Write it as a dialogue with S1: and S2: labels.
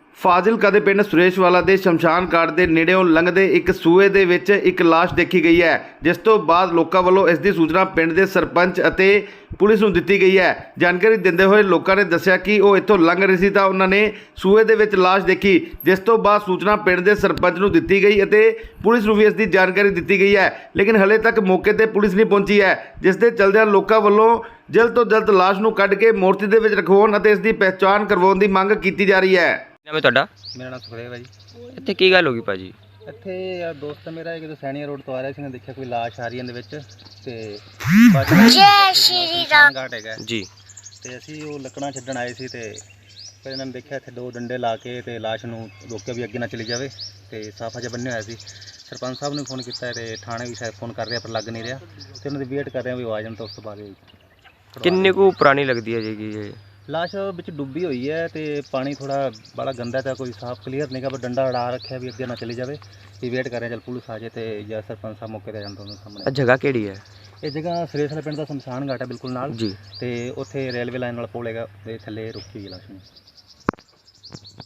S1: ਫਾਜ਼ਿਲਕਾ ਦੇ ਪਿੰਡ ਸੁਰੇਸ਼ਵਾਲਾ ਦੇ ਸ਼ਮਸ਼ਾਨ ਘਾਟ ਦੇ ਨੇੜਿਓਂ ਲੰਘਦੇ ਇੱਕ ਸੂਏ ਦੇ ਵਿੱਚ ਇੱਕ ਲਾਸ਼ ਦੇਖੀ ਗਈ ਹੈ, ਜਿਸ ਤੋਂ ਬਾਅਦ ਲੋਕਾਂ ਵੱਲੋਂ ਇਸ ਦੀ ਸੂਚਨਾ ਪਿੰਡ ਦੇ ਸਰਪੰਚ ਅਤੇ ਪੁਲਿਸ ਨੂੰ ਦਿੱਤੀ ਗਈ ਹੈ। ਜਾਣਕਾਰੀ ਦਿੰਦੇ ਹੋਏ ਲੋਕਾਂ ਨੇ ਦੱਸਿਆ ਕਿ ਉਹ ਇੱਥੋਂ ਲੰਘ ਰਹੇ ਸੀ ਤਾਂ ਉਹਨਾਂ ਨੇ ਸੂਏ ਦੇ ਵਿੱਚ ਲਾਸ਼ ਦੇਖੀ, ਜਿਸ ਤੋਂ ਬਾਅਦ ਸੂਚਨਾ ਪਿੰਡ ਦੇ ਸਰਪੰਚ ਨੂੰ ਦਿੱਤੀ ਗਈ ਅਤੇ ਪੁਲਿਸ ਨੂੰ ਵੀ ਇਸ ਦੀ ਜਾਣਕਾਰੀ ਦਿੱਤੀ ਗਈ ਹੈ। ਲੇਕਿਨ ਹਲੇ ਤੱਕ ਮੌਕੇ ਤੇ ਪੁਲਿਸ ਨਹੀਂ ਪਹੁੰਚੀ ਹੈ, ਜਿਸ ਦੇ ਚਲਦਿਆਂ ਲੋਕਾਂ ਵੱਲੋਂ ਜਲਦ ਤੋਂ ਜਲਦ ਲਾਸ਼ ਨੂੰ ਕੱਢ ਕੇ ਮੂਰਤੀ ਦੇ ਵਿੱਚ ਰਖਵਾਉਣ ਅਤੇ ਇਸ ਦੀ ਪਹਿਚਾਣ ਕਰਵਾਉਣ ਦੀ ਮੰਗ ਕੀਤੀ ਜਾ ਰਹੀ ਹੈ।
S2: ਨਾਮ ਤੁਹਾਡਾ?
S3: ਮੇਰਾ ਨਾਮ ਸੁਖਦੇਵ ਹੈ ਜੀ।
S2: ਇੱਥੇ ਕੀ ਗੱਲ ਹੋ ਗਈ ਭਾਜੀ?
S3: ਇੱਥੇ ਯਾਰ ਦੋਸਤ ਮੇਰਾ ਜਦੋਂ ਸੈਣੀਆ ਰੋਡ ਤੋਂ ਆ ਰਿਹਾ ਸੀ ਨੇ ਦੇਖਿਆ ਕੋਈ ਲਾਸ਼ ਆ ਰਹੀ ਇਹਦੇ ਵਿੱਚ ਤੇ ਜੈ ਸ਼੍ਰੀ ਰਾਮ ਘਾਟ ਹੈਗਾ
S2: ਜੀ।
S3: ਤੇ ਅਸੀਂ ਉਹ ਲੱਕੜਾਂ ਛੱਡਣ ਆਏ ਸੀ ਤੇ ਫਿਰ ਇਹਨਾਂ ਨੇ ਦੇਖਿਆ ਇੱਥੇ ਦੋ ਡੰਡੇ ਲਾ ਕੇ ਤੇ ਲਾਸ਼ ਨੂੰ ਰੋਕਿਆ ਵੀ ਅੱਗੇ ਨਾ ਚਲੀ ਜਾਵੇ ਤੇ ਸਾਫਾ ਜਿਹਾ ਬੰਨਿਆ ਹੋਇਆ ਸੀ। ਸਰਪੰਚ ਸਾਹਿਬ ਨੂੰ ਫੋਨ ਕੀਤਾ ਤੇ ਥਾਣੇ ਵੀ ਸ਼ਾਇਦ ਫੋਨ ਕਰ ਰਿਹਾ ਪਰ ਲੱਗ ਨਹੀਂ ਰਿਹਾ ਤੇ ਉਹਨਾਂ ਦੀ ਵੇਟ ਕਰ ਰਹੇ ਵੀ ਆ ਜਾਣ ਤਾਂ ਉਸ ਤੋਂ ਬਾਅਦ
S2: ਕਿੰਨੇ ਕੁ ਪੁਰਾਣੀ ਲੱਗਦੀ ਹੈ ਜੀ ਇਹ
S3: ਲਾਸ਼ ਵਿੱਚ ਡੁੱਬੀ ਹੋਈ ਹੈ ਤੇ ਪਾਣੀ ਥੋੜਾ ਬੜਾ ਗੰਦਾ ਤਾਂ ਕੋਈ ਸਾਫ ਕਲੀਅਰ ਨਹੀਂਗਾ, ਪਰ ਡੰਡਾ ਅੜਾ ਰੱਖਿਆ ਵੀ ਅੱਗੇ ਨਾ ਚਲੀ ਜਾਵੇ। ਇਹ ਵੇਟ ਕਰ ਰਹੇ ਚਲ ਪੁਲਿਸ ਆ ਜਾਏ ਤੇ ਜਾਂ ਸਰਪੰਚ ਸਾਹਿਬ ਮੌਕੇ ਤੇ ਜਾਂਦਾ ਉਹਨਾਂ ਸਾਹਮਣੇ।
S2: ਜਗ੍ਹਾ ਕਿਹੜੀ ਹੈ?
S3: ਇਹ ਜਗ੍ਹਾ ਸੁਰੇਸ਼ਵਾਲਾ ਪਿੰਡ ਦਾ ਸ਼ਮਸ਼ਾਨ ਘਾਟ ਹੈ ਬਿਲਕੁਲ ਨਾਲ
S2: ਜੀ।
S3: ਤੇ ਉੱਥੇ ਰੇਲਵੇ ਲਾਈਨ ਵਾਲਾ ਪੁਲ ਹੈਗਾ, ਤੇ ਥੱਲੇ ਰੁਕੀ ਹੋਈ ਲਾਸ਼ ਨੂੰ।